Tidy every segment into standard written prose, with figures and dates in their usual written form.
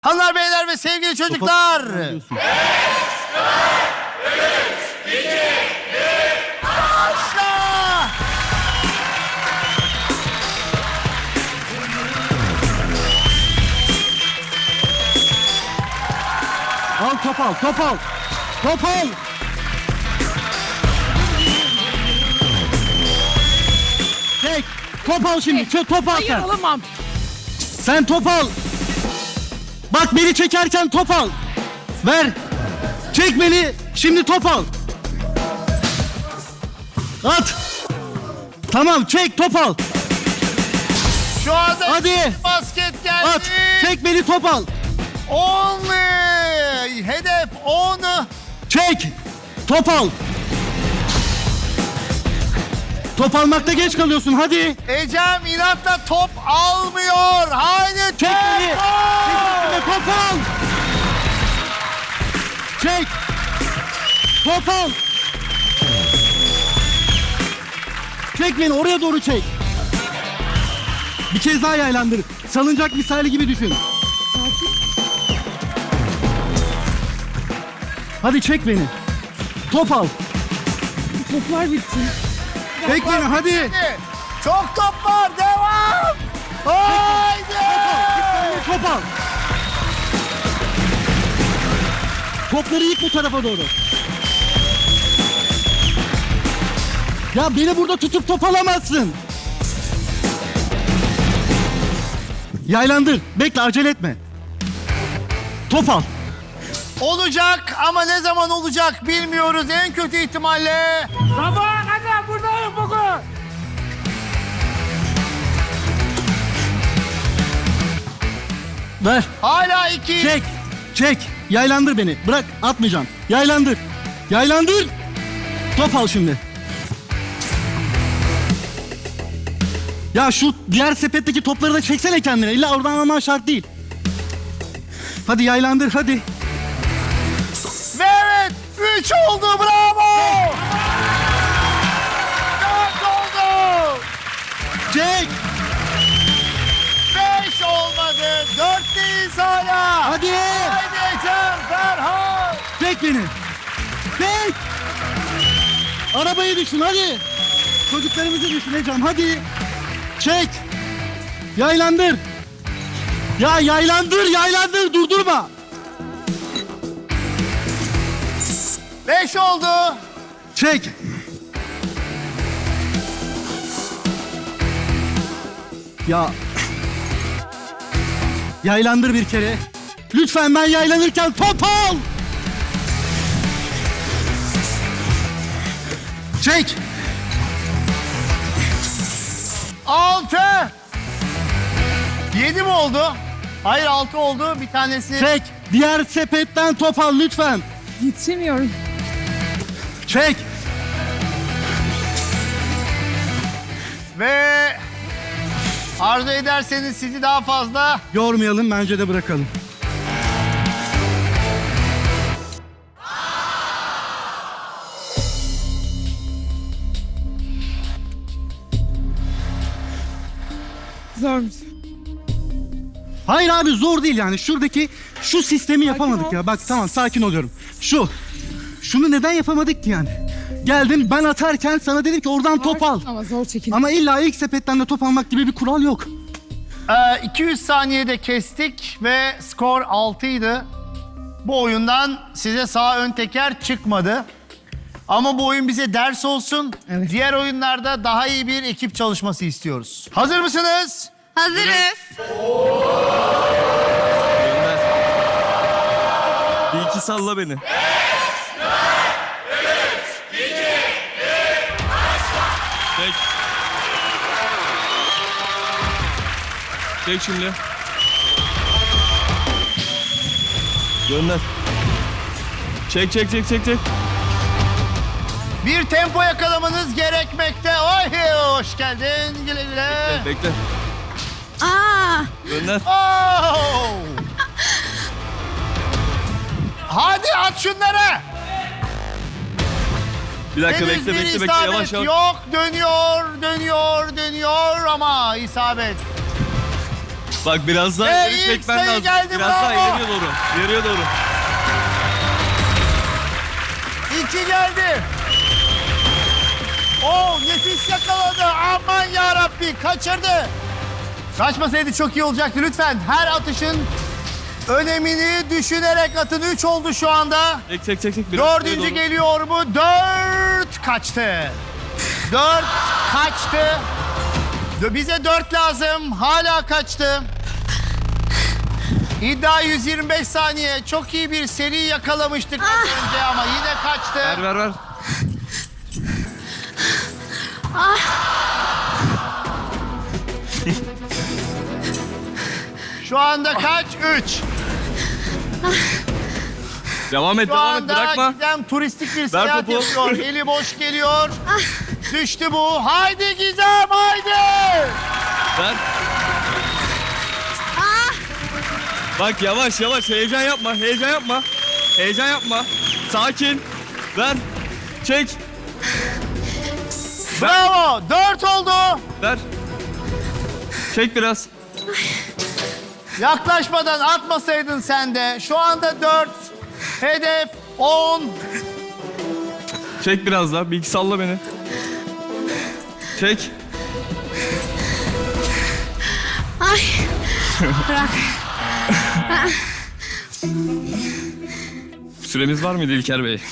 Hanımlar, beyler ve sevgili çocuklar. Başla. Al top al, top al. Top al. Çek. Top al şimdi. Top al Hayır sen. alamam. Sen top al. Bak beni çekerken top al. Ver. Çek beni. Şimdi top al. At. Tamam, çek, top al. Şu anda Hadi. basket geldi. At. Çek beni, top al. 10. Hedef 10. Çek. Top al. Top almakta geç kalıyorsun, hadi. Ecem inatla top almıyor. Haydi Çek beni. tempo. Çek top al. Çek. Top al. Çek beni, oraya doğru çek. Bir kez daha yaylandır. Salıncak misali gibi düşün. Hadi çek beni. Top al. Toplar bitti. Çek beni, hadi. Çok top var. Devam. Haydi. Top al. Topları yık bu tarafa doğru. Ya beni burada tutup top alamazsın. Yaylandır. Bekle, acele etme. Top al. Olacak ama ne zaman olacak bilmiyoruz. En kötü ihtimalle. Sabaha kadar buradayım bugün. Ver. Hala 2. Çek. Çek. Yaylandır beni. Bırak, atmayacağım. Yaylandır. Yaylandır. Top al şimdi. Ya şu diğer sepetteki topları da çeksene kendine. İlla oradan alman şart değil. Hadi yaylandır, hadi. Ve evet 3 oldu, bravo. 4 oldu. Çek. 5 olmadı. 4'teyiz hala. Hadi. Haydi Ecem, Ferhan. Çek beni. Çek. Arabayı düşün, hadi. Çocuklarımızı düşüneceğim, hadi. Çek. Yaylandır. Ya yaylandır, yaylandır. Durdurma. 5 oldu. Çek. Ya. Yaylandır bir kere. Lütfen, ben yaylanırken top al. Çek. 6. 7 mi oldu? Hayır, 6 oldu. Bir tanesi. Çek. Diğer sepetten top al lütfen. Yetişemiyorum. Çek. Ve arzu ederseniz sizi daha fazla Yormayalım, bence de bırakalım. Zormuş. Hayır abi, zor değil yani. Şuradaki şu sistemi yapamadık ol. ya. Bak tamam, sakin oluyorum. Şunu neden yapamadık ki yani? Geldim ben atarken sana dedim ki oradan top al. Ama zor çekin. Ama illa ilk sepetten de top almak gibi bir kural yok. 200 saniyede kestik ve skor 6 idi. Bu oyundan size sağ ön teker çıkmadı. Ama bu oyun bize ders olsun. Evet. Diğer oyunlarda daha iyi bir ekip çalışması istiyoruz. Hazır mısınız? Hazırız. Bir iki salla beni. Çek. Çek şimdi. Gönder. Çek. Bir tempo yakalamanız gerekmekte. Oy, hoş geldin. Güle güle. Bekle. Aa, Gönder. Oh! Hadi at şunları. Bir dakika, Henüz bekle. bir Yavaş isabet yavaş. yok. Dönüyor ama isabet. Bak biraz daha Ve ileri ilk çekmen sayı lazım. geldi, Biraz daha bravo. ileriye doğru. İleriye doğru. 2 geldi. Nefis yakaladı. Aman yarabbi, kaçırdı. Kaçmasaydı çok iyi olacaktı. Lütfen her atışın önemini düşünerek atın. 3 oldu şu anda. Çek. Biraz Dördüncü ileriye doğru. geliyor mu? 4 kaçtı. 4 kaçtı. Bize 4 lazım. Hala kaçtı. İddia 125 saniye. Çok iyi bir seri yakalamıştık az önce ama yine kaçtı. Ver. Şu anda kaç? 3. Devam et Şu anda bırakma. Gizem turistik bir seyahat topu. yapıyor. Eli boş geliyor. Düştü bu. Haydi Gizem, haydi. Ver. Bak yavaş heyecan yapma. Sakin. Ver. Çek. Bravo. 4 oldu. Ver. Çek biraz. Yaklaşmadan atmasaydın sen de. Şu anda 4. Hedef 10. Çek biraz daha. Bir iki salla beni. Çek. Ay. Bırak. Süremiz var mıydı İlker Bey?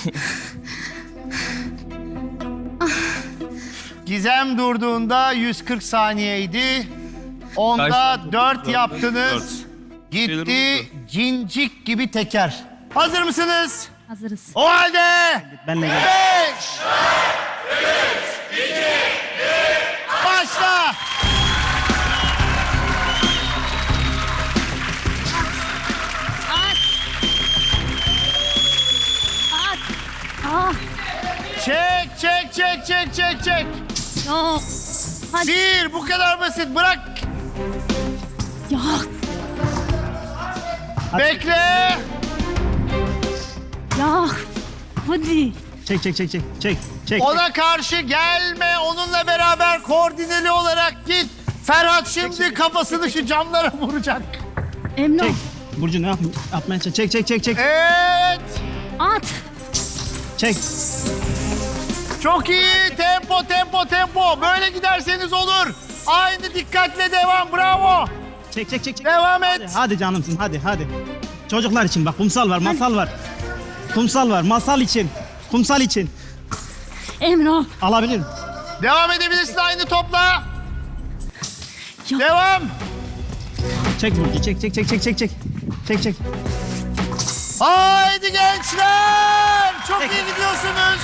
Gizem durduğunda 140 saniyeydi. Onda Kaç? 4 yaptınız. Gitti Şeyler cincik gibi teker. Hazır mısınız? Hazırız. O halde Benle gel. 5 başla. Ah. Çek. Ya. Hadi. Bir, bu kadar basit. Bırak. Ya. Bekle. Ya. Hadi. Çek. Ona karşı gelme. Onunla beraber koordineli olarak git. Ferhat şimdi kafasını şu camlara vuracak. Emrah. Burcu ne yapmaya çalış? Çek. Evet. At. Çek. Çok iyi. Tempo. Böyle giderseniz olur. Aynı dikkatle devam. Bravo. Çek. Devam et. Hadi canımsın hadi. Çocuklar için bak kumsal var, masal var. Kumsal var, masal için. Kumsal için. Emrah. Alabilirim. Devam edebilirsin aynı topla. Ya. Devam. Çek Burcu, çek. Haydi gençler. Çok iyi gidiyorsunuz.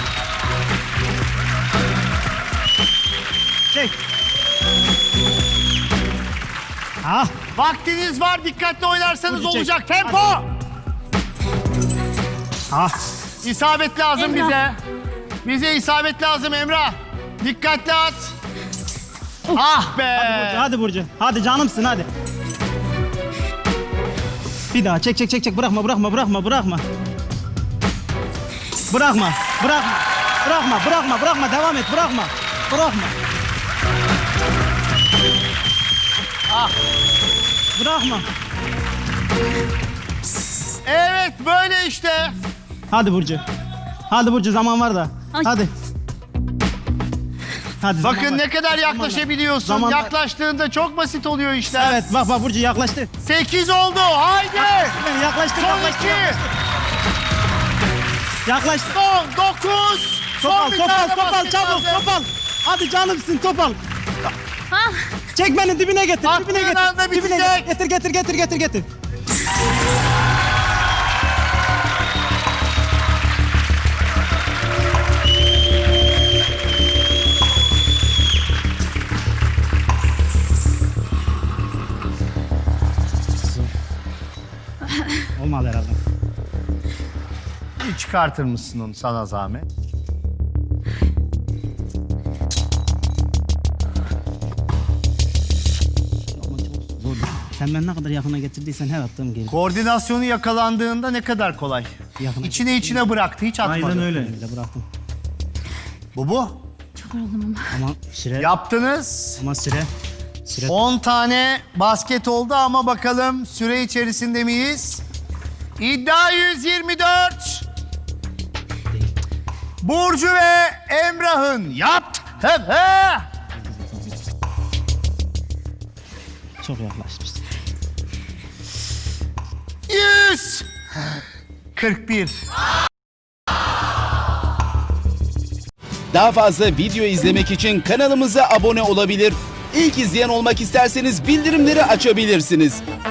Çek. Ah, Vaktiniz var. Dikkatli oynarsanız Burcu, çek. olacak. Tempo. ah. İsabet lazım Emrah. bize. Bize isabet lazım Emrah. Dikkatli at. Ah be. Hadi Burcu, hadi canımsın hadi. Bir daha çek. Bırakma. Bırakma. Devam et, bırakma. Ah. Bırakma. Evet böyle işte. Hadi Burcu zaman var da. Ay. Hadi. Zaman Bakın var. ne kadar yaklaşabiliyorsun. Zaman var. Yaklaştığında çok basit oluyor işler. Evet bak Burcu yaklaştı. 8 oldu. Haydi. Yaklaştı. Son 2. Yaklaştı. Son 9. Son bir tane basket Çabuk lazım. topal. Hadi canımsın topal. Ah. Çek beni dibine getir. Attığın anda bitecek. Getir. Olmadı herhalde. Bir çıkartır mısın onu sana zahmet? Sen ben ne kadar yakına getirdiysen her attığım gelir. Koordinasyonu yakalandığında ne kadar kolay. Yakına İçine bıraktı, hiç atmadı. Aynen öyle. Bıraktım. Bu. Çok yoruldum ama. Ama süre. Yaptınız. Ama süre. 10 tane basket oldu ama bakalım süre içerisinde miyiz? İddia 124. Burcu ve Emrah'ın yaptı. Çok yaklaşmışsın. 141. Daha fazla video izlemek için kanalımıza abone olabilir. İlk izleyen olmak isterseniz bildirimleri açabilirsiniz.